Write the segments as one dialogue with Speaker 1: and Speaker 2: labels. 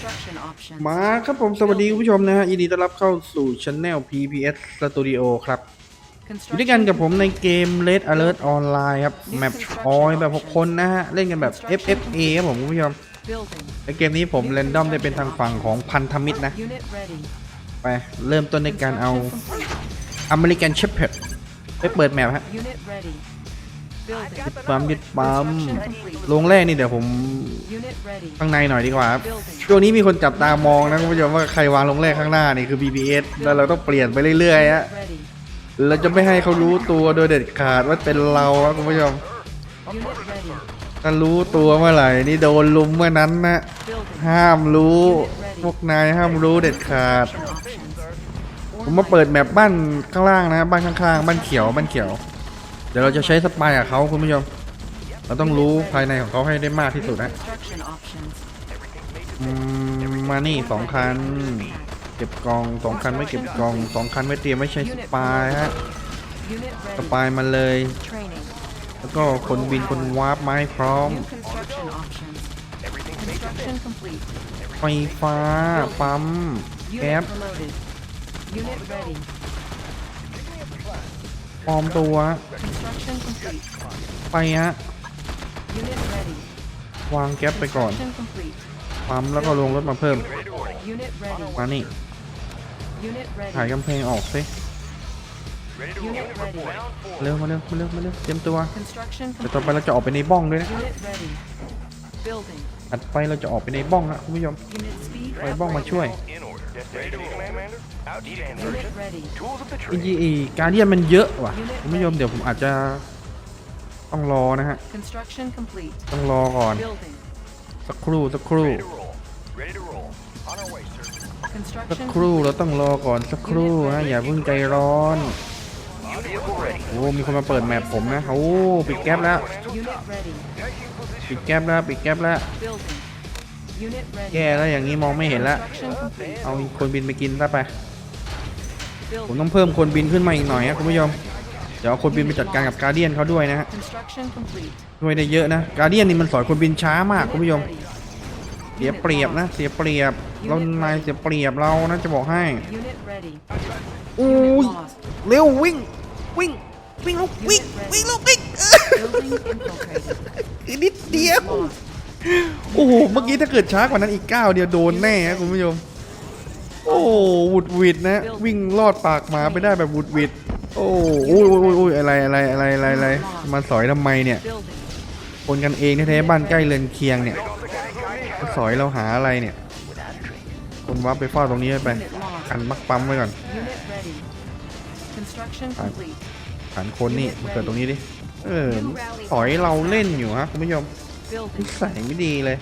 Speaker 1: มาครับผมสวัสดีคุณผู้ชมนะฮะยินดีต้อนรับเข้าสู่ Channel PPS Studio ครับอยู่ด้วยกันกับผมในเกม Red Alert Online ครับแมปออยแบบ6คนนะฮะเล่นกันแบบ FFA ครับผมคุณผู้ชมในเกมนี้ผมเรนดอมได้เป็นทางฝั่งของพันธมิตรนะไปเริ่มต้นในการเอา American Shepherd ไปเปิดแมปฮะยึดปั๊มลงแรกนี่เดี๋ยวผมข้างในหน่อยดีกว่าครับช่วงนี้มีคนจับตามองนะคุณผู้ชมว่าใครวางลงแรกข้างหน้านี่คือ BBS แล้วเราต้องเปลี่ยนไปเรื่อยๆฮะเราจะไม่ให้เขารู้ตัวโดยเด็ดขาดว่าเป็นเราครับคุณผู้ชมถ้ารู้ตัวเมื่อไหร่นี่โดนลุมเมื่อนั้นนะห้ามรู้พวกนายห้ามรู้เด็ดขาดผมมาเปิดแมปบ้านข้างล่างนะบ้านข้างๆบ้านเขียวเดี๋ยวเราจะใช้สปายกับเขาคุณผู้ชมเราต้องรู้ภายในของเขาให้ได้มากที่สุดนะมานี่2 คันเก็บกอง2 คันไม่เก็บกอง2 คันไม่เตรียมไม่ใช้สปายฮะสปายมาเลยแล้วก็คนบินคนวาร์ปมาให้พร้อมไฟฟ้าปั๊มแก๊สปลอมตัวไปฮะวางแก๊สไปก่อนปั๊มแล้วก็ลงรถมาเพิ่มมานี่ถ่ายกำแพงออกสิเร็วมาเร็วเตรียมตัวเดี๋ยวต่อไปเราจะออกไปในบ้องด้วยนะอัดไปเราจะออกไปในบ้องนะคุณผู้ชมไปบ้องมาช่วยอีการเดียนมันเยอะว่ะคุณผู้ชมเดี๋ยวผมอาจจะต้องรอนะฮะต้องรอก่อนสักครู่เราต้องรอก่อนสักครู่ฮะอย่าเพิ่งใจร้อนโอ้มีคนมาเปิดแมปผมนะโอ้ปิดแก๊ปแล้วแย่แล้วอย่างนี้มองไม่เห็นแล้วเอาคนบินไปกินซะไปผมต้องเพิ่มคนบินขึ้นมาอีกหน่อยนะคุณผู้ชมเดี๋ยวเอาคนบินไปจัดการกับการเดียนเขาด้วยนะฮะช่วยได้เยอะนะการเดียนนี่มันสอนคนบินช้ามากคุณผู้ชมเสียเปรียบนะเรานายเสียเปรียบเรานะจะบอกให้อุ้ยเร็ววิ่งลูกนิดเดียวโอ้โหเมื่อกี้ถ้าเกิดช้ากว่านั้นอีก9เดียวโดนแน่ครับคุณผู้ชมโอ้วุดวิดนะวิ่งลอดปากหมาไปได้แบบวุดวิดโอ้ยอะไรมาสอยทำไมเนี่ยคนกันเองแท้ๆบ้านใกล้เรือนเคียงเนี่ยสอยเราหาอะไรเนี่ยคนวับไปเฝ้าตรงนี้ไปกันมักปั๊มไว้ก่อนฐานคนนี่มาเกิดตรงนี้ดิสอยเราเล่นอยู่ฮะคุณผู้ชมนิสัยไม่ดีเลย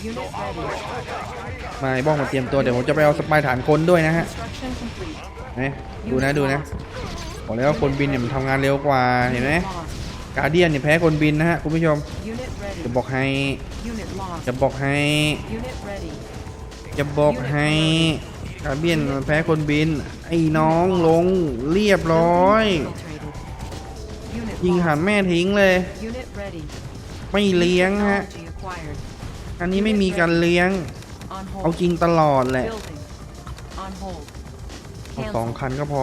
Speaker 1: มาบ้องมาเตรียมตัวเดี๋ยวผมจะไปเอาสปายฐานคนด้วยนะฮะดูนะบอกแล้วว่าคนบินเนี่ยมันทำงานเร็วกว่าเห็นไหมการเดียนเนี่ยแพ้คนบินนะฮะคุณผู้ชมจะบอกให้การเดียนแพ้คนบินไอ้น้องลงเรียบร้อยยิงหันแม่ทิ้งเลยไม่เลี้ยงฮะอันนี้ไม่มีการเลี้ยงเอาจริงตลอดแหละเอา2 คันก็พอ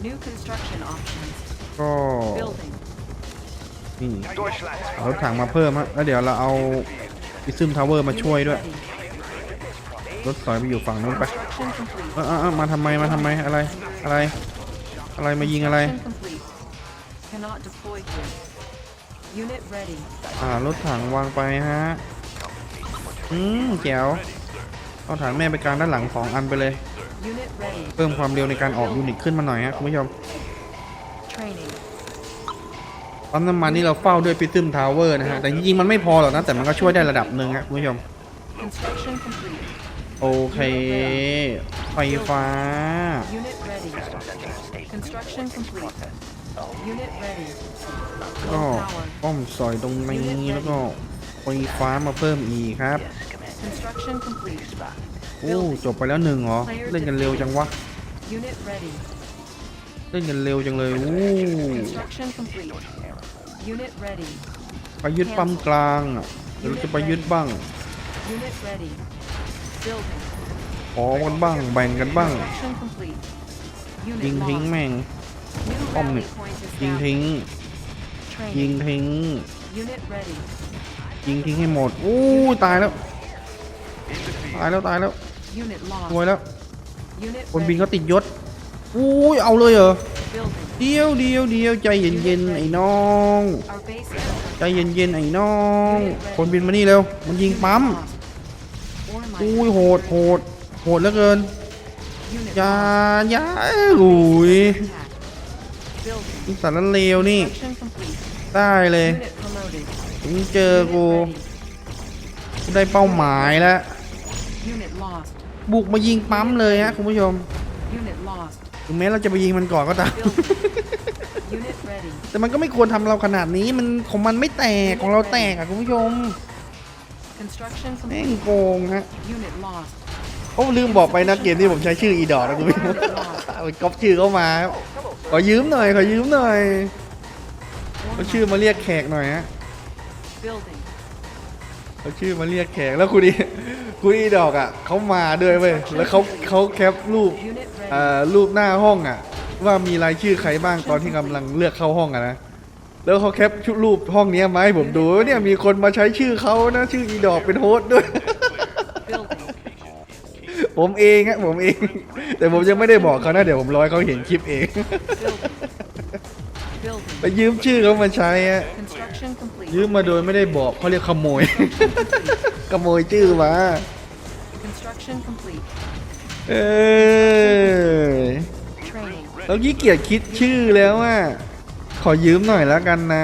Speaker 1: ก็นี่เอารถถังมาเพิ่มฮะแล้วเดี๋ยวเราเอาอิซึมทาวเวอร์มาช่วยด้วยรถสอยไปอยู่ฝั่งนู้นไปมาทำไมอะไรมายิงอะไรรถถังวางไปฮะแจ๋วเอาฐานแม่ไปกลางด้านหลัง2 อันไปเลยเพิ่มความเร็วในการออกยูนิตขึ้นมาหน่อยฮะคุณผู้ชมปั๊มน้ำมันนี่เราเฝ้าด้วยพิซึมทาวเวอร์นะฮะแต่จริงๆมันไม่พอหรอกนะแต่มันก็ช่วยได้ระดับหนึ่งครับคุณผู้ชมโอเคไฟฟ้าก็ป้อมซอยตรงนี้แล้วก็ไฟฟ้ามาเพิ่มอีกครับโอ้จบไปแล้ว1เหรอเล่นกันเร็วจังวะเล่นกันเร็วจังเลยโอ้ไปยึดปั๊มกลางเดี๋ยวเราจะไปยึดบ้างอกันบ้างแบ่งกันบ้าง
Speaker 2: Construction complete.
Speaker 1: ยิง
Speaker 2: Unit
Speaker 1: ทิ้ง
Speaker 2: lost.
Speaker 1: แม่ง
Speaker 2: New
Speaker 1: ป้อม
Speaker 2: rally
Speaker 1: เนี่ย
Speaker 2: point
Speaker 1: ยิงทิ้ง
Speaker 2: established.
Speaker 1: ยิง
Speaker 2: Training.
Speaker 1: ทิ้ง
Speaker 2: Unit ready.
Speaker 1: ยิงทิ้งให้หมดอู้ตายแล้วตายแล้วตายแล้ว
Speaker 2: Unit
Speaker 1: รวย
Speaker 2: lost.
Speaker 1: แล้ว
Speaker 2: Unit
Speaker 1: คนบิน
Speaker 2: ready.
Speaker 1: เขาติดยศอู้ยเอาเลยเหรอ
Speaker 2: Building.
Speaker 1: เดียวใจเย็นๆไอ้น้อง
Speaker 2: Our base is
Speaker 1: ใจเย็นๆไอ้น้อง คนบินมานี่เร็วมันยิงปั๊ม
Speaker 2: lost. Ore mine
Speaker 1: อุ้ยโหดเหลือเกิน
Speaker 2: Unit
Speaker 1: อย่า
Speaker 2: lost.
Speaker 1: อย่าอุ้ย
Speaker 2: Attack. Building.
Speaker 1: นี่สารเลวนี่
Speaker 2: Construction complete.
Speaker 1: ได้เลย
Speaker 2: Unit promoted.
Speaker 1: ถึงเจอ
Speaker 2: Unit
Speaker 1: กู
Speaker 2: ready.
Speaker 1: กูได้เป้าหมายแล้ว
Speaker 2: Unit lost.
Speaker 1: บุกมายิงปั๊มเลยฮะคุณผู้ชม
Speaker 2: Unit lost.
Speaker 1: ถึงแม้เราจะไปยิงมันก่อนก็ตาม
Speaker 2: Building. Unit ready.
Speaker 1: แต่มันก็ไม่ควรทำเราขนาดนี้มันของมันไม่แตกของเราแตกอะคุณผู้ชม
Speaker 2: Construction
Speaker 1: แม่ง
Speaker 2: complete.
Speaker 1: โกงฮะ
Speaker 2: Unit lost.
Speaker 1: โอ้ลืมบอกไปนะเกมที่ผมใช้ชื่ออีดอร์นะคุณผู้ชมเอาก๊อปชื่อเข้ามาครับขอยืมหน่อยเอา
Speaker 2: Ore
Speaker 1: ชื่อ
Speaker 2: mine.
Speaker 1: มาเรียกแขกหน่อยฮะ
Speaker 2: Building.
Speaker 1: เอาชื่อมาเรียกแขกแล้วคุณอีดอกอ่ะเขามาด้วยเว้ยแล้วเขาแคปรูป
Speaker 2: Unit ready.
Speaker 1: รูปหน้าห้องอ่ะ ว่ามีรายชื่อใครบ้างตอนที่กำลังเลือกเข้าห้องอะนะแล้วเขาแคปชุดรูปห้องเนี้ยมาให้ผมดูเนี่ยมีคนมาใช้ชื่อเขานะชื่ออีดอกเป็นโฮสต์ด้วย
Speaker 2: Building.
Speaker 1: ผมเองฮะผมเอง แต่ผมยังไม่ได้บอกเขานะเดี๋ยวผมรอให้เขาเห็นคลิปเอง
Speaker 2: Building.
Speaker 1: ไป
Speaker 2: Building.
Speaker 1: ยืมชื่อเขามาใช้ฮะ
Speaker 2: Construction complete.
Speaker 1: ยืมมาโดยไม่ได้บอกเขาเรียกขโมย ขโมยชื่อมา
Speaker 2: Construction complete.
Speaker 1: เออ
Speaker 2: Training.
Speaker 1: แล้วขี้เกียจคิดชื่อแล้วอ่ะขอยืมหน่อยแล้วกันนะ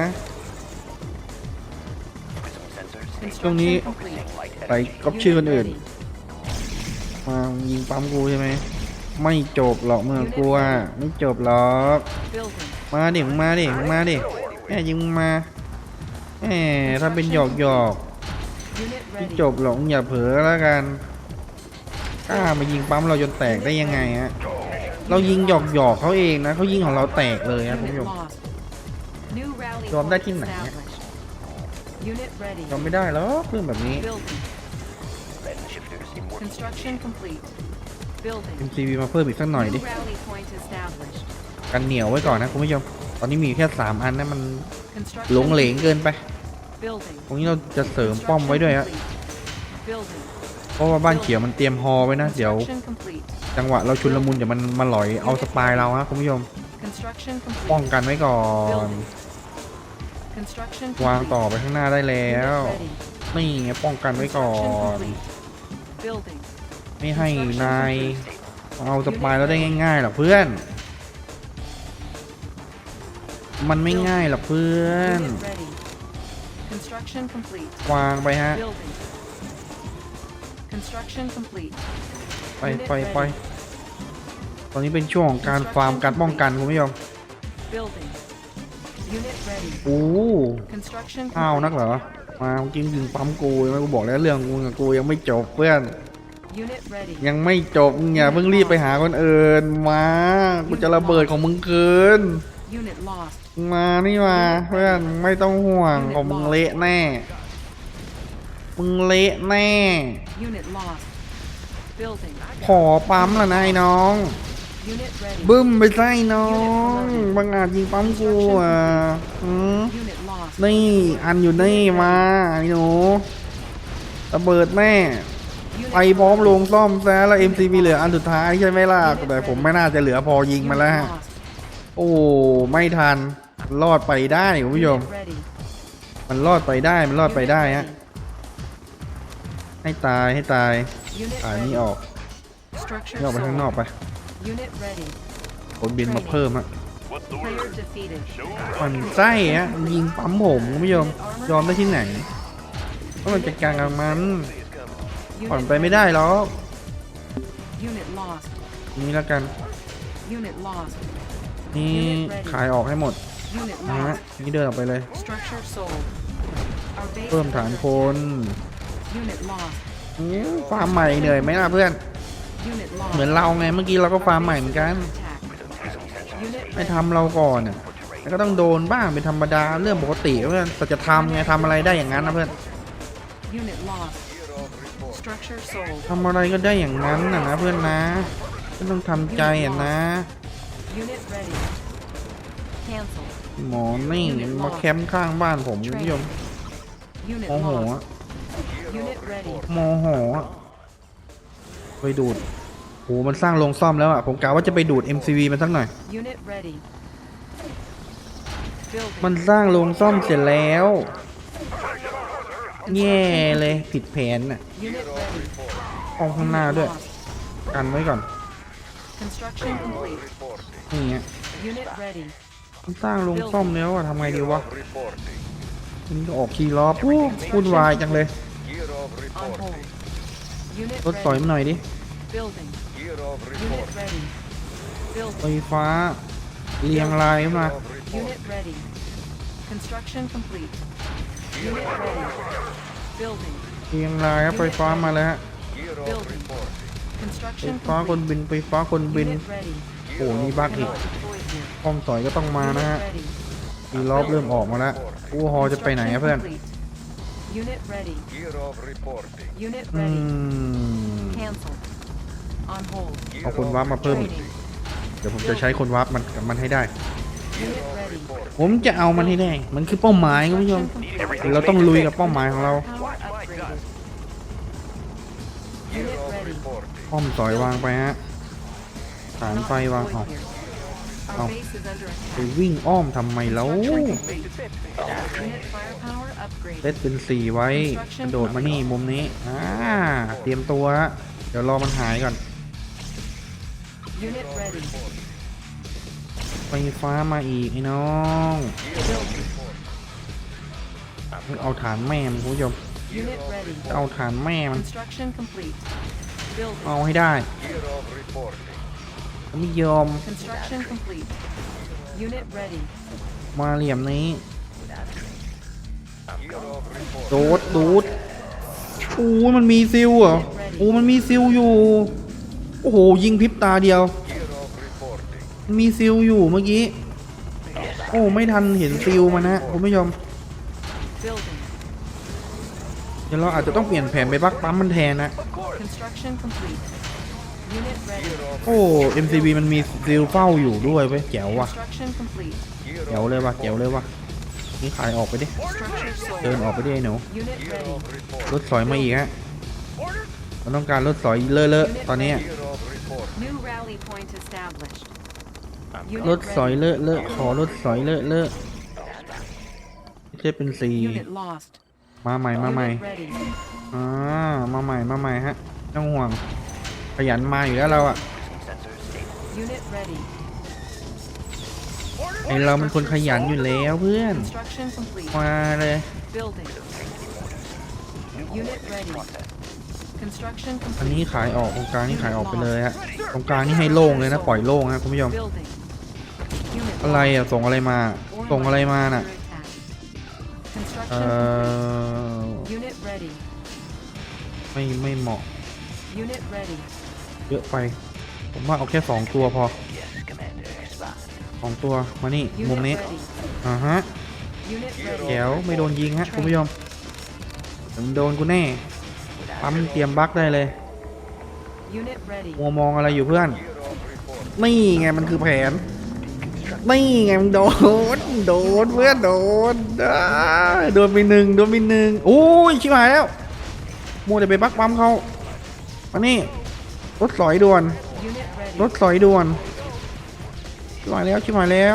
Speaker 1: ตรงนี้
Speaker 2: Construction complete.
Speaker 1: ไปก๊อปชื่อคน
Speaker 2: Unit
Speaker 1: อื่น
Speaker 2: ready.
Speaker 1: มายิงปั๊มกูใช่ไหมไม่จบหรอกเมื่อกูอ่ะไม่จบหรอก
Speaker 2: Building.
Speaker 1: มาดิมึงมาดิแม่ยิงมึงมาแหมถ้าเป็นหยอก
Speaker 2: Unit
Speaker 1: ไม่
Speaker 2: ready.
Speaker 1: จบหรอกมึงอย่าเผลอแล้วกันกล้ามายิงปั๊มเราจนแตกได้ยังไงฮะเรายิงหยอกเขาเองนะเขายิงของเราแตกเลยครับคุณ
Speaker 2: Unit
Speaker 1: ผู้ชม
Speaker 2: lost. New rally
Speaker 1: ยอมได้
Speaker 2: point
Speaker 1: ที่ไหนเนี่ย
Speaker 2: established. Unit ready.
Speaker 1: ยอมไม่ได้หรอกเรื่องแบบนี้
Speaker 2: Building. Construction complete. Building.
Speaker 1: MCV มาเพิ่มอีกสักหน่อยดิ
Speaker 2: New rally point established.
Speaker 1: กันเหนียวไว้ก่อนนะคุณผู้ชมตอนนี้มีแค่3 อันนะมัน
Speaker 2: Construction
Speaker 1: หลงเหลงเกินไป
Speaker 2: Building.
Speaker 1: ตรงนี้เราจะเสริมป้อมไว้ด้วยฮะ
Speaker 2: Construction complete. Building.
Speaker 1: เพราะว่าบ้านเขียวมันเตรียมฮอไว้นะเดี๋ยว
Speaker 2: Construction complete.
Speaker 1: จังหวะเราชุนละมุนเดี๋ยวมันมาหลอยเอาสปายเราฮะคุณผู้ชม
Speaker 2: Construction
Speaker 1: ป้อง
Speaker 2: complete.
Speaker 1: กันไว้ก่อน
Speaker 2: Construction
Speaker 1: วาง
Speaker 2: complete.
Speaker 1: ต่อไปข้างหน้าได้แล้ว
Speaker 2: Unit ready.
Speaker 1: นี่ไงป้องกันไว้ก่อน
Speaker 2: Construction complete. Building.
Speaker 1: ไม่ให้นายเอาสปายเราได้ง่ายๆหรอกเพื่อน มันไม่ง่ายหรอกเพื่อน
Speaker 2: Unit ready. Construction complete.
Speaker 1: วางไปฮะ
Speaker 2: Building. Construction complete.
Speaker 1: ไปตอนนี้เป็นช่วงของการฟาร์มการป้องกันคุณผู้ชม
Speaker 2: Building. Unit ready.
Speaker 1: โอ้
Speaker 2: Construction
Speaker 1: อ้าวนัก
Speaker 2: complete.
Speaker 1: เหรอมาจริงยิงปั๊มกูยังไม่กูบอกแล้วเรื่องกูกับกูยังไม่จบเพื่อน
Speaker 2: Unit ready.
Speaker 1: ยังไม่จบมึงอย่าเพิ่งรีบไปหาคนอื่นมากูจะระเบิดของมึงคืน
Speaker 2: Unit lost.
Speaker 1: มานี่มาเพื่อนไม่ต้องห่วงของมึงเละแน่มึงเละแน่
Speaker 2: Unit lost. Building.
Speaker 1: ขอปั๊มละนายน้อง
Speaker 2: Unit ready.
Speaker 1: บึ้มไปไส้น้องบางอาจยิงปั๊มกูอ่ะอืม
Speaker 2: Unit lost.
Speaker 1: นี่อันอยู่นี่มาไอ้หนูระเบิดแม่
Speaker 2: Unit
Speaker 1: ไปพร้อมลงซ่อมแซะแล้ว MCV เหลืออันสุดท้ายใช่ไหมล่ะแต่ผมไม่น่าจะเหลือพอยิงมาแล้วฮะ
Speaker 2: lost.
Speaker 1: โอ้ไม่ทันรอดไปได้คุณผู้ชม
Speaker 2: Unit ready.
Speaker 1: มันรอดไปได้มันรอดไปได้ฮะ ให้ตาย
Speaker 2: Unit
Speaker 1: อ่านี่
Speaker 2: ready.
Speaker 1: ออก
Speaker 2: Structure
Speaker 1: นี่ออกไปข้างนอก
Speaker 2: sold.
Speaker 1: ไป
Speaker 2: Unit ready.
Speaker 1: คนบินมาเพิ่มฮะ
Speaker 2: Player defeated.
Speaker 1: มันไส้ฮะยิงปั๊มผมคุณผู้ชมยอมได้ที่ไหนต้องมาจัดการกับมันผ่อน
Speaker 2: Unit
Speaker 1: ไปไม่ได้หรอก
Speaker 2: Unit lost.
Speaker 1: นี่แล้วกัน
Speaker 2: Unit lost.
Speaker 1: นี่ขายออกให้หมด
Speaker 2: Unit
Speaker 1: นะฮะ
Speaker 2: lost.
Speaker 1: นี่เดินออกไปเลย
Speaker 2: Structure sold. Our base
Speaker 1: เพิ่ม
Speaker 2: is
Speaker 1: ฐาน
Speaker 2: under
Speaker 1: คน
Speaker 2: attack. Unit lost.
Speaker 1: ฟาร์มใหม่เหนื่อยไหมล่ะเพื่อน
Speaker 2: Unit
Speaker 1: เหมือน
Speaker 2: lost.
Speaker 1: เราไงเมื่อกี้เราก็ฟาร์มใหม่เหมือนกัน
Speaker 2: Attack. Unit
Speaker 1: ไม่
Speaker 2: ready.
Speaker 1: ทำเราก่อนน่ะแล้วก็ต้องโดนบ้างเป็นธรรมดาเรื่องปกติเพื่อนสัจธรรมไงทำอะไรได้อย่างนั้นนะเพื่อน
Speaker 2: Unit lost. Structure sold.
Speaker 1: ทำอะไรก็ได้อย่างนั้นนะเพื่อนนะไม่ต้องทำใจนะ
Speaker 2: Unit ready. Cancel.
Speaker 1: หมอนี่มาแคมป์ข้างบ้านผมคุณผู้ชม
Speaker 2: Unit
Speaker 1: โมโห
Speaker 2: lost.
Speaker 1: อะ
Speaker 2: Unit ready.
Speaker 1: โมโหอะไปดูดโหมันสร้างโรงซ่อมแล้วอ่ะผมกะว่าจะไปดูด MCV มันสักหน่อย
Speaker 2: Unit ready. Building.
Speaker 1: มันสร้างโรงซ่อมเสร็จแล้วแย่เลยผิดแผนน่ะ
Speaker 2: Unit ready.
Speaker 1: ห้องข้างหน้าด้วย
Speaker 2: Lost.
Speaker 1: กันไว้ก่อน
Speaker 2: Construction complete.
Speaker 1: นี่เงี้ย
Speaker 2: Unit ready.
Speaker 1: มันสร้างโรงซ่อมแล้วอะทำไงดีวะมันก็ออกคีย์ล้อปุ๊บวุ่นวายจังเลย
Speaker 2: On hold. Unit
Speaker 1: รถสอย
Speaker 2: ready.
Speaker 1: มาหน่อยดิ
Speaker 2: Building. Unit ready.
Speaker 1: ไฟ
Speaker 2: Building.
Speaker 1: ฟ้าเรียงรายมา
Speaker 2: Unit ready. Construction complete. Unit ready. Building.
Speaker 1: เรียงรายครับไฟฟ้ามาแล้วฮะ
Speaker 2: Building.
Speaker 1: ไฟ
Speaker 2: Construction
Speaker 1: ฟ้าคน
Speaker 2: complete.
Speaker 1: บินไฟฟ้าคนบิน
Speaker 2: Unit ready.
Speaker 1: โอ้นี่บักอีก
Speaker 2: Deployed here.
Speaker 1: ห้องสอยก็ต้องมานะ
Speaker 2: Unit
Speaker 1: ฮะ
Speaker 2: ready.
Speaker 1: คีย์ล้อเริ่มออกมาแล้วอู้ฮอจะไปไหนอะเพื่อน
Speaker 2: Construction complete. Unit ready. Unit
Speaker 1: อื
Speaker 2: ready.
Speaker 1: ม
Speaker 2: Cancel. On hold.
Speaker 1: เอาคนวาร์ปมาเพิ่มอีก
Speaker 2: Training.
Speaker 1: เดี๋ยวผมจะใช้คนวาร์ปมันกับมันให้ได้
Speaker 2: Unit ready.
Speaker 1: ผมจะเอามันให้ได้ มันคือเป้าหมายคุณผู้ชม เราต้องลุยกับเป้าหมายของเรา
Speaker 2: Power upgraded. Unit ready.
Speaker 1: ป้อมสอยวางไปฮะฐานไฟวางออก
Speaker 2: Our
Speaker 1: Oh.
Speaker 2: base is under
Speaker 1: ไป
Speaker 2: attack.
Speaker 1: วิ่งอ้อมทำไมแล้ว
Speaker 2: Unit firepower
Speaker 1: เซต
Speaker 2: upgraded.
Speaker 1: เป็น4ไว้กระโดดมานี่มุมนี้เตรียมตัวฮะเดี๋ยวรอมันหายก่อน
Speaker 2: Unit ready.
Speaker 1: ไฟฟ้ามาอีกไอ้น้อง
Speaker 2: Building.
Speaker 1: เอาฐานแม่มันคุณผู้ชม
Speaker 2: Unit ready.
Speaker 1: เอาฐานแม่มัน
Speaker 2: Construction complete. Building.
Speaker 1: เอาให้ได้ไม่ยอม
Speaker 2: Construction complete. Unit ready.
Speaker 1: มาเหลี่ยมนี้โดดโอ้ยมันมีซิลเหรอโอ้มันมีซิลอยู่โอ้โหยิงพริบตาเดียวมันมีซิลอยู่เมื่อกี้โอ้ไม่ทันเห็นซิลมันนะคุณผู้ชม
Speaker 2: Building.
Speaker 1: เดี๋ยวเราอาจจะต้องเปลี่ยนแผนไปบักปั๊มมันแทนนะ
Speaker 2: Construction complete. Unit ready.
Speaker 1: โอ้ MCB มันมีซิลเฝ้าอยู่ด้วยเว้ยแจ๋วว่ะ
Speaker 2: Construction complete.
Speaker 1: แจ๋วเลยว่ะแจ๋วเลยว่ะนี่ขายออกไปดิ
Speaker 2: Structure
Speaker 1: เดิน
Speaker 2: sold.
Speaker 1: ออกไปดิไอ้หนู
Speaker 2: Unit ready.
Speaker 1: รถสอยมาอีกฮะเราต้องการรถสอยเลอะๆตอนนี้
Speaker 2: New rally point established.
Speaker 1: ร
Speaker 2: Unit
Speaker 1: ถสอย
Speaker 2: ready.
Speaker 1: เลอะขอรถสอยเลอะไม่ใช่เป็นสี
Speaker 2: Unit lost.
Speaker 1: มาใหม่
Speaker 2: Unit ready.
Speaker 1: มาใหม่ฮะไม่ต้องห่วงขยันมาอยู่แล้วเราอะ
Speaker 2: Unit ready.
Speaker 1: ไอเรามันคนขยันอยู่แล้วเพื่อน
Speaker 2: Construction complete.
Speaker 1: มาเลย
Speaker 2: Building. Unit ready. Construction
Speaker 1: อันนี้
Speaker 2: complete.
Speaker 1: ขายออกตรงกลางนี่ขายออกไปเลยฮะตรงกลางนี่ให้โล่งเลยนะปล่อยโล่งฮะคุณผู้ชม
Speaker 2: Building. Unit
Speaker 1: อะไรอะส่งอะไรมาส่งอะไรมาน่ะ
Speaker 2: Construction
Speaker 1: เอ่
Speaker 2: complete.
Speaker 1: อ
Speaker 2: Unit ready.
Speaker 1: ไม่เหมาะ
Speaker 2: Unit ready.
Speaker 1: เยอะไป ผมว่าเอาแค่2ตัวพอ2ตัวมานี่มุม
Speaker 2: Unit
Speaker 1: นี้
Speaker 2: ready.
Speaker 1: ฮะ
Speaker 2: Unit ready.
Speaker 1: แจ๋วไม่โดนยิงฮะคุณผู้ชมผมโดนกูแน่ปั๊มเตรียมบั๊กได้เลย
Speaker 2: Unit ready.
Speaker 1: มัวมองอะไรอยู่เพื่อนนี่ไงมันคือแผนนี่ไงมันโดนเพื่อนโดนไปหนึ่งโอ้ยชิบหายแล้วมัวแต่ไปบั๊กปั๊มเขามานี่รถสอยด่วน
Speaker 2: Unit ready.
Speaker 1: รถสอยด่วนชิบหายแล้ว
Speaker 2: Unit
Speaker 1: ชิบหายแล้ว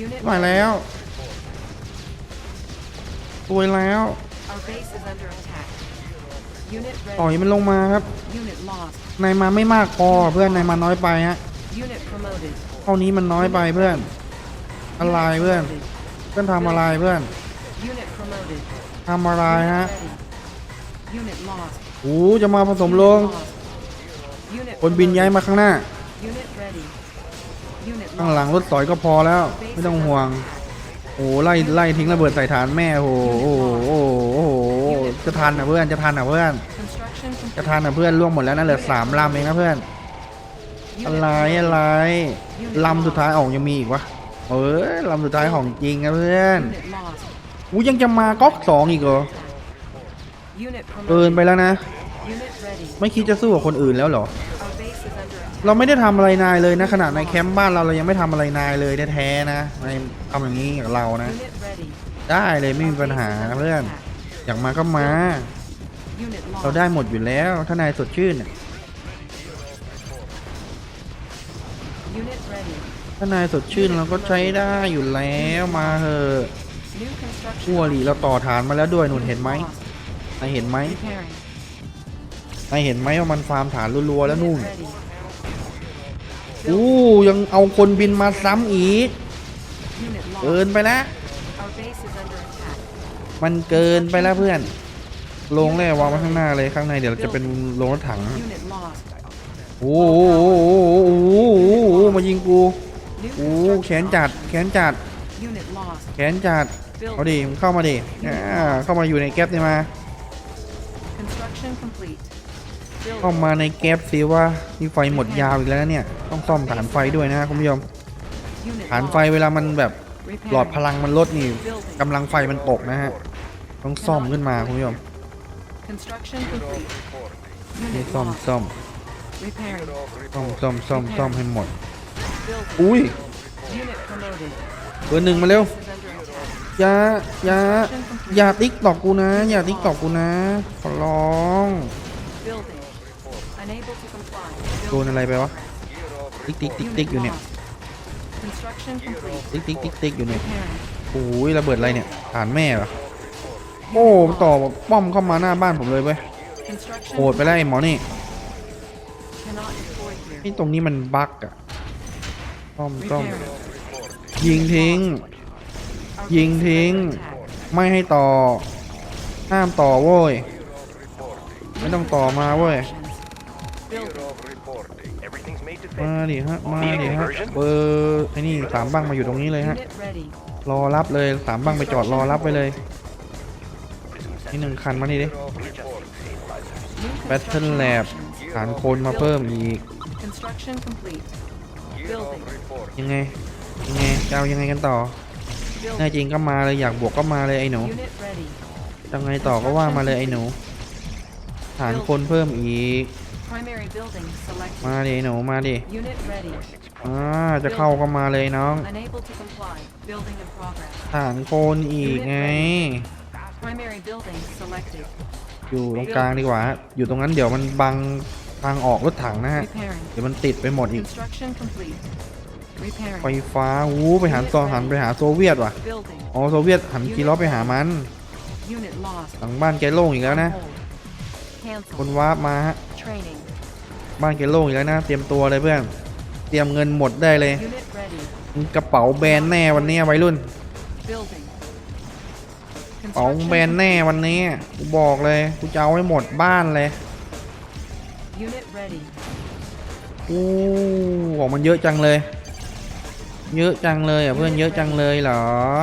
Speaker 1: ตัวยแล้ว
Speaker 2: Our base is under attack. Unit
Speaker 1: ต่อย
Speaker 2: ready.
Speaker 1: มันลงมาครับ
Speaker 2: Unit lost.
Speaker 1: นายมาไม่มากพอเพื่อนนายมาน้อยไปฮะ
Speaker 2: Unit promoted.
Speaker 1: เท่านี้มันน้อยไปเพื่อน อะไร
Speaker 2: Unit
Speaker 1: เพื่อน
Speaker 2: promoted.
Speaker 1: เพื่อนทำอะไรเพื่อน
Speaker 2: Unit promoted.
Speaker 1: ทำอะไร
Speaker 2: Unit
Speaker 1: ฮะ
Speaker 2: ready. Unit lost.
Speaker 1: โอ้จะมาผสมลง
Speaker 2: Unit lost. Unit
Speaker 1: คนบินย้าย
Speaker 2: promoted.
Speaker 1: มาข้างหน้า
Speaker 2: Unit ready. Unit
Speaker 1: ข้างหลัง
Speaker 2: lost.
Speaker 1: รถสอยก็พอแล้ว ไม่ต้องห่วง โอ้ไล่ทิ้งระเบิดใส่ฐานแม่โอ้จะทันอ่ะเพื่อน
Speaker 2: Construction
Speaker 1: จะ
Speaker 2: complete.
Speaker 1: ทันอ่ะเพื่อนล่วงหมดแล้วนะเหลือ3 ลำเองนะเพื่อน อะไรลำสุดท้ายออกยังมีอีกวะลำสุดท้ายของจริงนะเพื่อน
Speaker 2: Unit lost.
Speaker 1: ยังจะมาก๊อก2อีกเหรอ
Speaker 2: Unit
Speaker 1: เกิน
Speaker 2: promoted.
Speaker 1: ไปแล้วนะ
Speaker 2: Unit ready.
Speaker 1: ไม่คิดจะสู้กับคนอื่นแล้วเหรอ
Speaker 2: Our base is under attack.
Speaker 1: เราไม่ได้ทำอะไรนายเลยนะขนาดในแคมป์บ้านเรายังไม่ทำอะไรนายเลยแท้ๆนะนายทำอย่างนี้กับเรานะ
Speaker 2: Unit ready.
Speaker 1: ได้เลยไม่มีปัญหาเพื่อน อยากมาก็มา
Speaker 2: Unit
Speaker 1: เรา
Speaker 2: lost.
Speaker 1: ได้หมดอยู่แล้วถ้านายสดชื่นน่ะ
Speaker 2: Unit ready.
Speaker 1: ถ้านายสดชื่นเราก็ใช้ได้อยู่แล้วมาเถอะ
Speaker 2: New construction.
Speaker 1: ขั้วหลีเราต่อฐานมาแล้วด้วยหนุน
Speaker 2: Unit
Speaker 1: เห็นไหม
Speaker 2: lost.
Speaker 1: นายเห็นไหม
Speaker 2: Repairing.
Speaker 1: นายเห็นไหมว่ามันฟาร์มฐานรัวๆแล้ว
Speaker 2: Unit
Speaker 1: นู่น
Speaker 2: ready.
Speaker 1: อู้ยังเอาคนบินมาซ้ำอีก
Speaker 2: Unit
Speaker 1: เกิน
Speaker 2: lost.
Speaker 1: ไปแล้ว
Speaker 2: Our base is under attack.
Speaker 1: มันเกินไปแล้วเพื่อนลงแร่วางไว้ข้างหน้าเลยข้างในเดี๋ยวจะเป็นโรงรถถัง
Speaker 2: Unit lost.
Speaker 1: โอ้โหมายิงกู
Speaker 2: New
Speaker 1: โอ้
Speaker 2: construction
Speaker 1: แขนจัด
Speaker 2: options.
Speaker 1: แขนจัด
Speaker 2: Unit lost.
Speaker 1: แขนจัดเอาดิมึงเข้ามาดิเข้ามาอยู่ในแก๊ปนี่มา
Speaker 2: Construction complete.
Speaker 1: เข้า
Speaker 2: Building.
Speaker 1: มาในแก๊ปสิว่ามีไฟหมดยาวอีกแล้วเนี่ยต้องซ่อมฐานไฟด้วยนะคุณผู้ชม
Speaker 2: Unit
Speaker 1: ฐานไฟ
Speaker 2: lost.
Speaker 1: เวลามันแบบหลอด
Speaker 2: Repairing.
Speaker 1: พลังมันลดนี่กำลังไฟมันตกนะฮะต้องซ่อมขึ้นมาคุณผู้ชม
Speaker 2: Construction complete.
Speaker 1: นี่
Speaker 2: Unit
Speaker 1: ซ่อม
Speaker 2: lost.
Speaker 1: ซ่อม
Speaker 2: Repairing.
Speaker 1: ซ่อมให้หมด
Speaker 2: Building.
Speaker 1: อุ้ย
Speaker 2: Unit promoted.
Speaker 1: เบอร์หนึ่งมาเร็ว
Speaker 2: Base is under attack.
Speaker 1: อย่าติ๊กตอกกูนะ อย่าติ๊กตอกกูนะขอร้อง
Speaker 2: Building. Unable to comply.
Speaker 1: โดนอะไรไปวะติ๊กติ๊กติ๊กติ๊กอยู่เนี่ย
Speaker 2: Construction complete.
Speaker 1: ติ๊กติ๊กติ๊กติ๊กอยู่เนี่ย
Speaker 2: Repairing.
Speaker 1: โอ้ยระเบิดอะไรเนี่ยฐานแม่เหรอโอ้ต่อป้อมเข้ามาหน้าบ้านผมเลยเว้ย
Speaker 2: Construction
Speaker 1: โหดไปแล้วไอ้หมอนี่
Speaker 2: cannot deploy here.
Speaker 1: นี่ตรงนี้มันบั๊กอะซ่อม
Speaker 2: Repairing.
Speaker 1: ยิงทิ้ง
Speaker 2: Our
Speaker 1: ยิง
Speaker 2: base is
Speaker 1: ทิ้ง
Speaker 2: under attack.
Speaker 1: ไม่ให้ต่อ ห้ามต่อโว้ย ไม่ต้องต่อมาเว้ย
Speaker 2: Building.
Speaker 3: Everything's made to
Speaker 1: มา
Speaker 3: fit.
Speaker 1: ดิฮะ มาดิฮะ เบอร์ไอ้นี่สามบังมาอยู่ตรงนี้เลยฮะ
Speaker 2: Unit ready.
Speaker 1: รอรับเลยสามบังไปจอดรอรับไปเลย นี่หนึ่งคันมานี่ดิ
Speaker 2: New
Speaker 1: แบตเทิล
Speaker 2: construction
Speaker 1: แลบ
Speaker 2: options.
Speaker 1: ฐานคนมาเพิ่มอีก
Speaker 2: Construction complete. Building.
Speaker 1: ยังไง ยังไงจะเอายังไงกันต่อ แน่
Speaker 2: Building.
Speaker 1: จริงก็มาเลยอยากบวกก็มาเลยไอ้หนู
Speaker 2: Unit ready.
Speaker 1: ยังไงต่อก็ว่ามาเลยไอ้หนู ฐานคนเพิ่มอีก
Speaker 2: Primary building
Speaker 1: มา
Speaker 2: selected.
Speaker 1: ดิไอ้หนูมาดิ
Speaker 2: Unit ready.
Speaker 1: จะเข้าก็มาเลยน้อง
Speaker 2: Unable to comply. Building in progress.
Speaker 1: ฐานคนอีกไง
Speaker 2: Primary building selected.
Speaker 1: อยู่ตรงกลางดีกว่า อยู่ตรงนั้นเดี๋ยวมันบังทางออกรถถังนะฮะ
Speaker 2: Repairing.
Speaker 1: เดี๋ยวมันติดไปหมดอีก
Speaker 2: Construction complete.
Speaker 1: ไฟ
Speaker 2: Repairing.
Speaker 1: ฟ้าไปหันต่อหันไปหาโซเวียตว่ะ
Speaker 2: Building.
Speaker 1: อ๋อโซเวียตหันกีล้อไปหามัน
Speaker 2: Unit lost.
Speaker 1: หลังบ้านแกโล่งอีกแล้วนะ
Speaker 2: On hold.
Speaker 1: คน
Speaker 2: Cancel.
Speaker 1: วาร์ปมาฮะ
Speaker 2: Training.
Speaker 1: บ้านแกโล่งอีกแล้วนะ เตรียมตัวเลยเพื่อน เตรียมเงินหมดได้เลย
Speaker 2: Unit ready.
Speaker 1: กระเป๋าแบรนด์แน่วันนี้วัยรุ่น
Speaker 2: Building.
Speaker 1: กระเป๋าแบรนด์แน่วันนี้กูบอกเลยกูจะเอาให้หมดบ้านเลย
Speaker 2: Unit ready.
Speaker 1: อู้ของมันเยอะจังเลย เยอะจังเลยอ่ะเพื่อนเยอะจังเลยเหรอ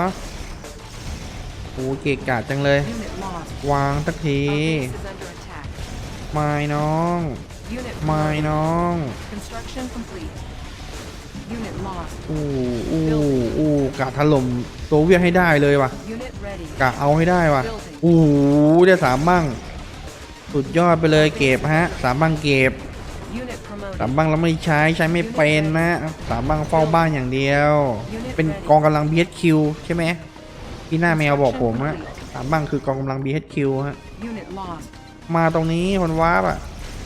Speaker 1: โอ้เกะกะจังเลย
Speaker 2: Unit lost.
Speaker 1: วางสักที
Speaker 2: Our base is under attack.
Speaker 1: ไม่น้อง
Speaker 2: Unit
Speaker 1: ไม่
Speaker 2: promoted.
Speaker 1: น้อง
Speaker 2: Construction complete. Unit lost.
Speaker 1: อู้กะถล่มโซเวียตให้ได้เลยว่ะ
Speaker 2: Unit ready.
Speaker 1: กะเอาให้ได้ว่ะ
Speaker 2: Building.
Speaker 1: ได้สามบ้างสุดยอดไปเลยเก็บฮะสามบ้างเก็บ
Speaker 2: Unit
Speaker 1: สาม
Speaker 2: promoted.
Speaker 1: บ้างแล้วไม่ใช้ไม่เป็นนะสามบ้างเฝ้าบ้านอย่างเดียว เป็นกองกำลัง BHQ ใช่ไหมที่หน้าแมวบอกผมอะสามบ้างคือกองกำลัง BHQ ฮะ
Speaker 2: Unit lost.
Speaker 1: มาตรงนี้คนวาร์ปอะ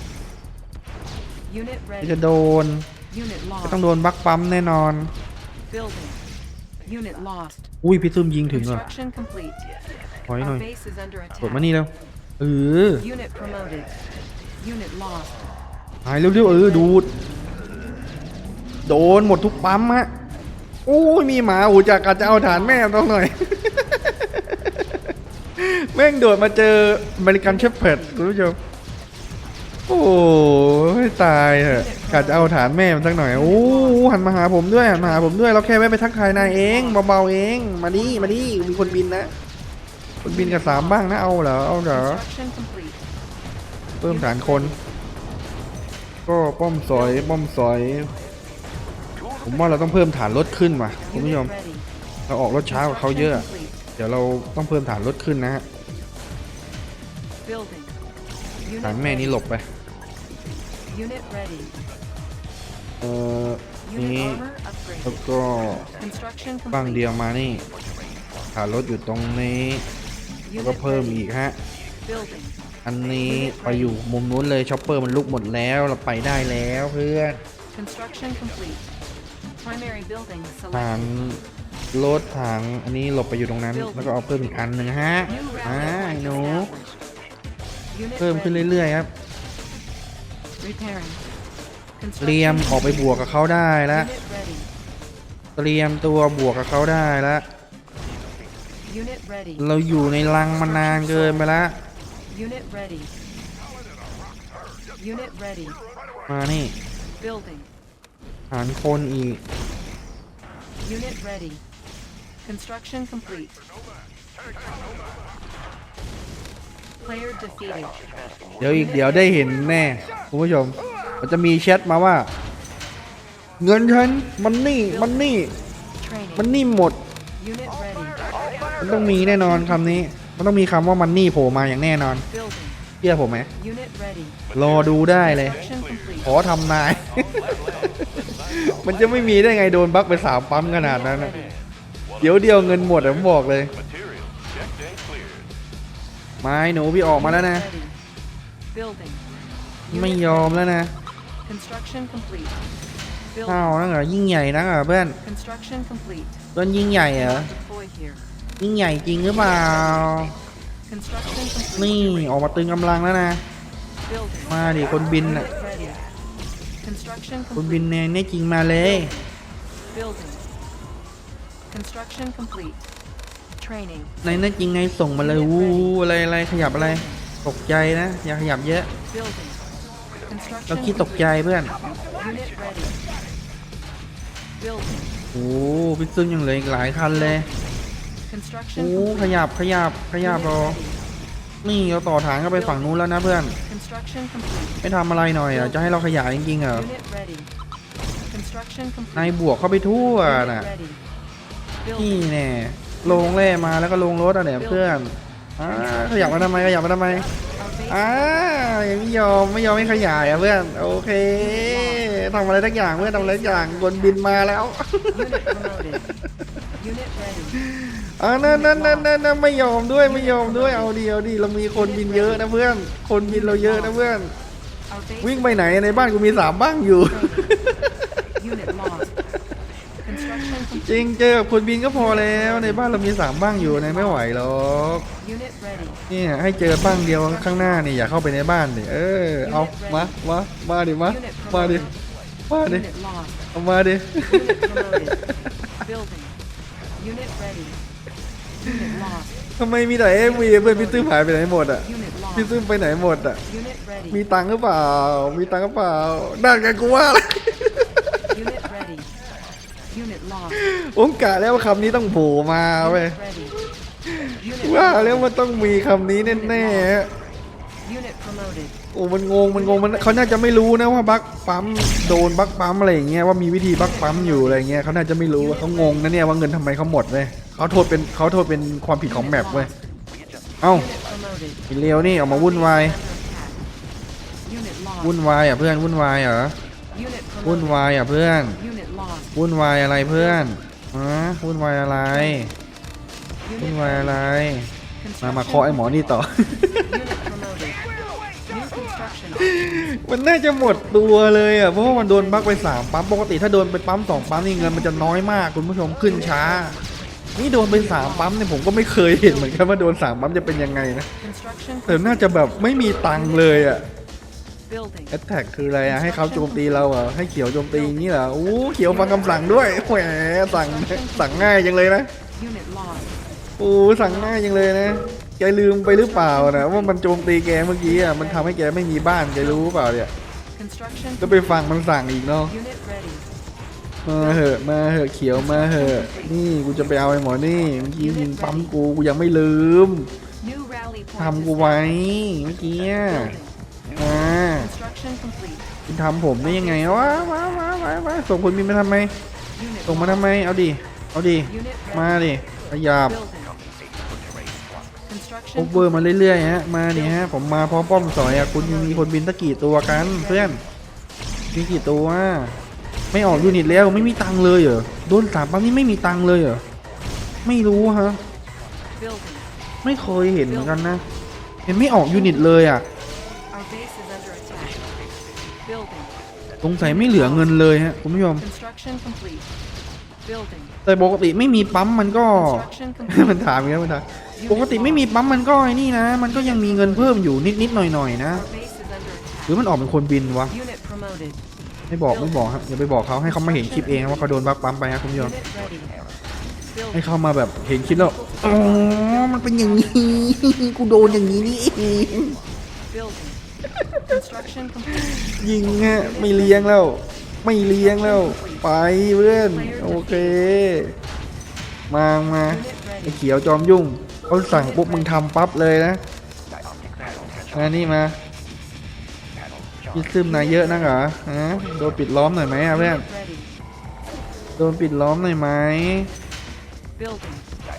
Speaker 2: Unit
Speaker 1: จะ
Speaker 2: ready.
Speaker 1: โดน
Speaker 2: Unit
Speaker 1: ก็ต้อง
Speaker 2: lost.
Speaker 1: โดนบักปั๊มแน่นอน
Speaker 2: Building. Unit lost.
Speaker 1: อุ้ยพี่ซึมยิงถึงเหรอ
Speaker 2: Construction complete.
Speaker 1: ถอยหน่อ
Speaker 2: Our
Speaker 1: ย
Speaker 2: base is under
Speaker 1: กดมา
Speaker 2: attack.
Speaker 1: นี่เร็วอ
Speaker 2: Unit promoted. Unit lost.
Speaker 1: หายเร็วๆดูดโดนหมดทุกปั๊มฮะโอ้ยมีหมาอูจากอาจจะเอาฐานแม่ต้องหน่อย แม่งโดดมาเจออเมริกันเชฟเพิร์ดคุณผู้ชมโอ้ยตายเหอะกะจะเอาฐานแม่มันสักหน่อยโอ้หันมาหาผมด้วยหันมาหาผมด้วยเราแค่แวะไปทักทายนายเองเบาๆเองมาดิมีคนบินนะคนบินกับสามบ้างนะเอาเหรอ
Speaker 2: Construction complete.
Speaker 1: เพิ่มฐานคน ก็ป้อมสอย ผมว่าเราต้องเพิ่มฐานรถขึ้นว่ะคุณผู้ชม
Speaker 2: Unit ready.
Speaker 1: เราออกรถช้ากว่าเขาเยอะ
Speaker 2: Construction complete.
Speaker 1: เดี๋ยวเราต้องเพิ่มฐานรถขึ้นนะฮะ
Speaker 2: Building. Unit
Speaker 1: ฐานแม่นี้
Speaker 2: ready.
Speaker 1: หลบไป
Speaker 2: Unit ready.
Speaker 1: นี้
Speaker 2: Unit armor
Speaker 1: แล้ว
Speaker 2: upgraded.
Speaker 1: ก็
Speaker 2: Construction
Speaker 1: ฝั่งเดี
Speaker 2: complete.
Speaker 1: ยวมานี่ฐานรถอยู่ตรงนี้แล้วก็
Speaker 2: Unit
Speaker 1: เพิ่ม
Speaker 2: ready.
Speaker 1: อีกฮะ
Speaker 2: Building.
Speaker 1: อันนี้ไปอยู่มุมนู้นเลยช็อปเปอร์มันลุกหมดแล้วเราไปได้แล้วเพื่อน
Speaker 2: Construction complete. Primary building
Speaker 1: ฐาน
Speaker 2: selected.
Speaker 1: รถถังอันนี้หลบไปอยู่ตรงนั้น แล้วก็เอาเพิ่มอีกอันหนึ่งฮะ
Speaker 2: New
Speaker 1: ไอ้
Speaker 2: rally point
Speaker 1: หนู
Speaker 2: established. Unit
Speaker 1: เพิ่มขึ้น
Speaker 2: ready.
Speaker 1: เรื่อยๆครับ
Speaker 2: Repairing.
Speaker 1: เตรียม
Speaker 2: Construction
Speaker 1: ออกไปบวกกับเขาได้แล้ว
Speaker 2: Unit ready.
Speaker 1: เตรียมตัวบวกกับเขาได้แล้ว
Speaker 2: Unit ready.
Speaker 1: เราอยู่ในรังมานานเกินไปแล้ว
Speaker 2: Unit ready. Unit ready.
Speaker 1: มานี่
Speaker 2: Building.
Speaker 1: ฐานคนอีก
Speaker 2: Unit ready. Construction complete. Player defeated.
Speaker 1: เดี๋ยวได้เห็นแน่คุณผู้ชมมันจะมีแชทมาว่า เงินฉันมันนี่มัน
Speaker 2: Training.
Speaker 1: นี่หมด
Speaker 2: Unit ready.
Speaker 1: มันต้องมีแน่นอนคำนี้ มันต้องมีคำว่ามันนี่โผล่มาอย่างแน่นอน
Speaker 2: Building.
Speaker 1: เชื่อผมไหม
Speaker 2: Unit ready.
Speaker 1: รอดูได้เลย
Speaker 2: Construction complete.
Speaker 1: ขอทำนาย มันจะไม่มีได้ไงโดนบั๊กไป3 ปั๊มขนาดนั้นนะ
Speaker 2: Ready.
Speaker 1: เดี๋ยวเดียวเงินหมดอะผมบอกเลย ไม้หนูพี่ออกมาแล้วนะ
Speaker 2: Ready. Building.
Speaker 1: ไม่
Speaker 2: Unit
Speaker 1: ยอมแล้วนะ
Speaker 2: Construction complete.
Speaker 1: ข้าว
Speaker 2: Building.
Speaker 1: นั่นเหรอยิ่งใหญ่นักเหรอเพื่อน
Speaker 2: Construction complete.
Speaker 1: เพื่อนยิ่งใหญ่เหรอ
Speaker 2: Deploy here.
Speaker 1: ยิ่งใหญ่จริงหรือเปล่า
Speaker 2: Construction
Speaker 1: นี่
Speaker 2: complete.
Speaker 1: ออกมาตึงกำลังแล้วนะ
Speaker 2: Building.
Speaker 1: มาดิคนบินอ่ะ
Speaker 2: Unit ready. Construction
Speaker 1: คนบิน
Speaker 2: complete.
Speaker 1: เนี่ยจริงมาเลย
Speaker 2: Building. Construction complete. Training.
Speaker 1: ในนั่นจริงไงส่งมาเลยวูอะไรขยับอะไร ตกใจนะ อย่าขยับเยอะ
Speaker 2: Building.
Speaker 1: เรา
Speaker 2: Construction
Speaker 1: คิดตกใจ
Speaker 2: complete.
Speaker 1: เพื่อน
Speaker 2: Unit ready. Building.
Speaker 1: โอ้พี่ซึ่งยังเหลืออีกหลายคันเลย
Speaker 2: Construction
Speaker 1: โอ้
Speaker 2: complete.
Speaker 1: ขยับร
Speaker 2: Unit
Speaker 1: อ
Speaker 2: ready.
Speaker 1: นี่เราต่อฐานก็ไปฝั่งนู้นแล้วนะเพื่อน
Speaker 2: Construction complete.
Speaker 1: ไม่ทำอะไรหน่อยอ่ะจะให้เราขยายจริงๆเหรอ
Speaker 2: Unit ready. Construction
Speaker 1: นาย
Speaker 2: complete.
Speaker 1: บวกเข้าไปทั่ว
Speaker 2: Unit
Speaker 1: น่ะ
Speaker 2: ready.
Speaker 1: นี่
Speaker 2: Building.
Speaker 1: แน่ลงแร่มาแล้วก็ลงรถอ่ะเนี่ยเพื่อนขยับมาทำไม
Speaker 2: Our base
Speaker 1: ยังไม่ยอมให้ขยายอ่ะเพื่อนโอเคทำอะไรทักอย่างเพื่อนทำอะไรทักอย่างบนบินมาแล้ว
Speaker 2: Unit promoted. Unit ready.
Speaker 1: นั่นไม่ยอมด้วยเอาดิเรามีคนบินเยอะนะเพื่อนคนบินเราเยอะนะเพื่อน
Speaker 2: Our base
Speaker 1: วิ่งไปไหนในบ้านกูมี3 บ้างอยู่
Speaker 2: Unit lost. Construction
Speaker 1: จริง
Speaker 2: complete.
Speaker 1: เจอกับคนบินก็พอแล้วในบ้านเรามี3 บ้างอยู่นะไม่ไหวหรอก
Speaker 2: Unit ready.
Speaker 1: เนี่ยให้เจอบ้างเดียวข้างหน้านี่อย่าเข้าไปในบ้านดิเอามาดิมาดิ
Speaker 2: Unit lost.
Speaker 1: เอามาดิ
Speaker 2: Unit promoted. Building. Unit ready. Unit lost.
Speaker 1: ทำไมมีแต่เอ็มวีเพื่อนพี่ตื้มหายไปไหนหมดอ่ะ
Speaker 2: Unit
Speaker 1: พี่
Speaker 2: lost.
Speaker 1: ตื้มไปไหนหมดอ่ะ
Speaker 2: Unit ready.
Speaker 1: มีตังค์หรือเปล่านั่นไงกูว่าเลย
Speaker 2: Unit ready. Unit lost.
Speaker 1: ผมกะแล้วว่าคำนี้ต้องโผล่มาเว้ย
Speaker 2: Unit ready. Unit
Speaker 1: ว่า
Speaker 2: promoted.
Speaker 1: แล้วมันต้องมีคำนี้แน่ๆฮะ
Speaker 2: Unit promoted.
Speaker 1: โอ้มันงงเขาน่าจะไม่รู้นะว่าบั๊กปั๊มโดนบั๊กปั๊มอะไรอย่างเงี้ยว่ามีวิธีบั๊กปั๊มอยู่อะไรเงี้ยเขาน่าจะไม่รู้เขางงนะเนี่ยว่าเงินทำไมเขาหมดเว้ยเขาโทษเป็นความผิดของแมปเว้ยเอ้า
Speaker 2: Unit promoted.
Speaker 1: ไอ้เลียวนี่ออกมาวุ่นวาย
Speaker 2: Unit lost.
Speaker 1: วุ่นวายอ่ะเพื่อนวุ่นวายเหรอ
Speaker 2: Unit
Speaker 1: วุ่น
Speaker 2: promoted.
Speaker 1: วายอ่ะเพื่อน
Speaker 2: Unit lost.
Speaker 1: วุ่นวายอะไรเพื่อนวุ่นวายอะไร
Speaker 2: Unit
Speaker 1: วุ่นวายอะไร
Speaker 2: Construction
Speaker 1: มาเคาะไอ้หมอนี่ต่อ
Speaker 2: Unit promoted. New construction.
Speaker 1: มันน่าจะหมดตัวเลยอ่ะเพราะว่ามันโดนบั๊กไป3 ปั๊มปกติถ้าโดนไปปั๊ม2 ปั๊มนี่เงินมันจะน้อยมากคุณผู้ชมขึ้นช้า นี่โดนไป3 ปั๊มเนี่ยผมก็ไม่เคยเห็นเหมือนกันว่าโดน3 ปั๊มจะเป็นยังไงนะ
Speaker 2: Construction
Speaker 1: แต่น่าจะแบบไม่มีตังค์เลยอ่ะ
Speaker 2: building.
Speaker 1: แอตแทกคืออะไรอ่ะให้เขาโจมตีเราอ่ะให้เขียวโจมตีอย่างนี้เหรอโอ้เขียวฟังคำสั่งด้วยแหมสั่งง่ายจังเลยนะ
Speaker 2: Unit lost.
Speaker 1: โอ้สั่งง่ายจังเลยนะแกลืมไปหรือเปล่านะว่ามันโจมตีแกเมื่อกี้อ่ะมันทำให้แกไม่มีบ้านแกรู้เปล่าเนี่ย
Speaker 2: Construction.
Speaker 1: ก็ไปฟังมันสั่งอีกเนาะ
Speaker 2: Unit ready.
Speaker 1: มาเหอะเขียวมาเหอะนี่กูจะไปเอาไอ้หมอนี่เมื่อกี้ยิงปั๊มกูยังไม่ลืม
Speaker 2: New rally point.
Speaker 1: ทำกูไว้เมื่อกี้
Speaker 2: Building.
Speaker 1: อ่า
Speaker 2: Construction complete.
Speaker 1: คุณทำผมได้ยังไงวะมาส่งคนบินมาทำไม
Speaker 2: Unit
Speaker 1: ส่งมา
Speaker 2: lost.
Speaker 1: ทำไมเอาดิ
Speaker 2: Unit ready.
Speaker 1: มาดิขยับ
Speaker 2: Building. Construction
Speaker 1: โอเวอร์มาเรื่อยๆฮะมาเนี่ยฮะผมมาพร้อมป้อมสอยอ่ะคุณยังมีคนบินตะกี่ตัวกันเพื่อนมีกี่ตัวไม่ออกยูนิตแล้วไม่มีตังค์เลยเหรอโดน3 ปั๊มนี่ไม่มีตังค์เลยเหรอไม่รู้ฮะ
Speaker 2: Building.
Speaker 1: ไม่เคยเห็นเหมือนกันนะเห็นไม่ออกยูนิตเลยอ่ะ
Speaker 2: Our base is under attack. Building.
Speaker 1: สงสัยไม่เหลือเงินเลยฮะคุณผู้ชม
Speaker 2: Construction complete. Building.
Speaker 1: แต่ปกติไม่มีปั๊มมันก็
Speaker 2: Construction complete.
Speaker 1: มันถามอย่างนี้มันถามปกติไม่มีปั๊มมันก็ไอ้นี่นะ มันก็ยังมีเงินเพิ่มอยู่นิดๆหน่อยๆนะ
Speaker 2: Our base is under
Speaker 1: หรือ
Speaker 2: attack.
Speaker 1: มันออกเป็นคนบินวะ
Speaker 2: Unit promoted.
Speaker 1: ไม่บอกครับอย่าไปบอกเขาให้เขามาเห็นคลิปเองว่าเขาโดนบักปั๊มไปครับคุณผู้ชม
Speaker 2: Unit ready.
Speaker 1: ให้
Speaker 2: Building.
Speaker 1: เขามาแบบเห็นคลิปแล้วอ๋อมันเป็นอย่างนี้ กูโดนอย่างนี้นี่เอง
Speaker 2: Building. Construction complete.
Speaker 1: ยิงฮะไม่เลี้ยงแล้วไม่เลี้ยงแล้วไปเพื่อนโอเคมา
Speaker 2: Unit
Speaker 1: ไอ้
Speaker 2: ready.
Speaker 1: เขียวจอมยุ่งเขาสั่งปุ๊บมึงทำปั๊บเลยนะนี่มาพี่ซึมนายเยอะนักเหรอฮะโดนปิดล้อมหน่อยไหมอะเพื่อน
Speaker 2: Unit ready.
Speaker 1: โดนปิดล้อมหน่อยไหม
Speaker 2: Building.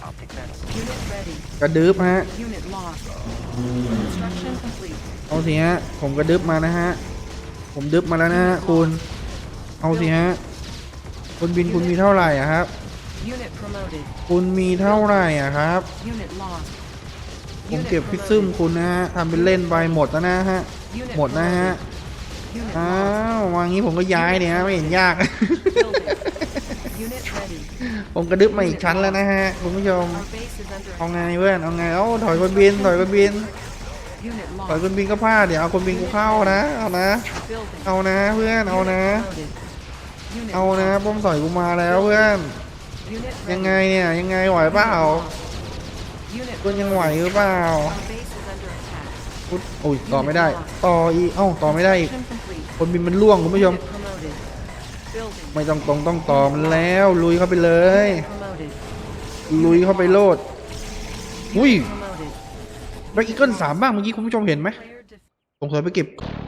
Speaker 2: Unit ready.
Speaker 1: กระดึบฮะ
Speaker 2: Unit lost. Construction complete.
Speaker 1: เอาสิฮะผมกระดึบมานะฮะผมดึบมาแล้วนะฮะคุณเอาสิฮะคุณบินคุณมีเท่าไหร่อะครับ
Speaker 2: Unit promoted.
Speaker 1: คุณมีเท่าไหร่อะครับ
Speaker 2: Unit lost.
Speaker 1: ผม
Speaker 2: Unit
Speaker 1: เก็บพิซซึม
Speaker 2: promoted.
Speaker 1: คุณนะฮะทำเป็นเล่นไปหมดแล้วนะฮะ
Speaker 2: Unit
Speaker 1: หมดนะฮะ
Speaker 2: promoted. Unit
Speaker 1: อ้า
Speaker 2: lost.
Speaker 1: ววางงี้ผมก็ย้ายเนี่ยฮะไม่เห็นยาก
Speaker 2: Building. Unit ready.
Speaker 1: ผมกระดึบมาอีกชั้นแล้วนะฮะคุณผู้ชม
Speaker 2: Our base is under
Speaker 1: เอา
Speaker 2: attack.
Speaker 1: ไงเพื่อนเอาไงเอ้าถอยคนบินถอยคนบิน
Speaker 2: Unit
Speaker 1: ถอย
Speaker 2: lost.
Speaker 1: คนบินก็พลาดเดี๋ยวเอาคนบินกูเข้านะเอานะ
Speaker 2: Building.
Speaker 1: เอานะเพื่อนเอา
Speaker 2: Unit
Speaker 1: นะ
Speaker 2: promoted. Unit
Speaker 1: เอานะ
Speaker 2: lost.
Speaker 1: ป้อมสอยกูมาแล้วเพื่อน
Speaker 2: Unit
Speaker 1: ยังไง
Speaker 2: ready.
Speaker 1: เนี่ยยังไงไหวเปล่า
Speaker 2: Unit
Speaker 1: คุณยังไหวหรือเปล่า
Speaker 2: Our base is under attack.
Speaker 1: อุ๊ยโอ้ยต่อไม่ได้ ต่ออีกเอ้าต่อไม่ได้อีก
Speaker 2: Construction complete.
Speaker 1: คนบินมันล่วงคุณผู้ชม
Speaker 2: Unit promoted. Building.
Speaker 1: ไม่ต้องต้องต่อมันแล้วลุยเข้าไปเลย
Speaker 2: Unit promoted.
Speaker 1: ลุยเข้าไปโลด อุ้ย
Speaker 2: Promoted.
Speaker 1: แบ็กอีเกิล3บ้างเมื่อกี้คุณผู้ชมเห็นไหม
Speaker 2: Player defeated.
Speaker 1: สงสัยไปเก็บ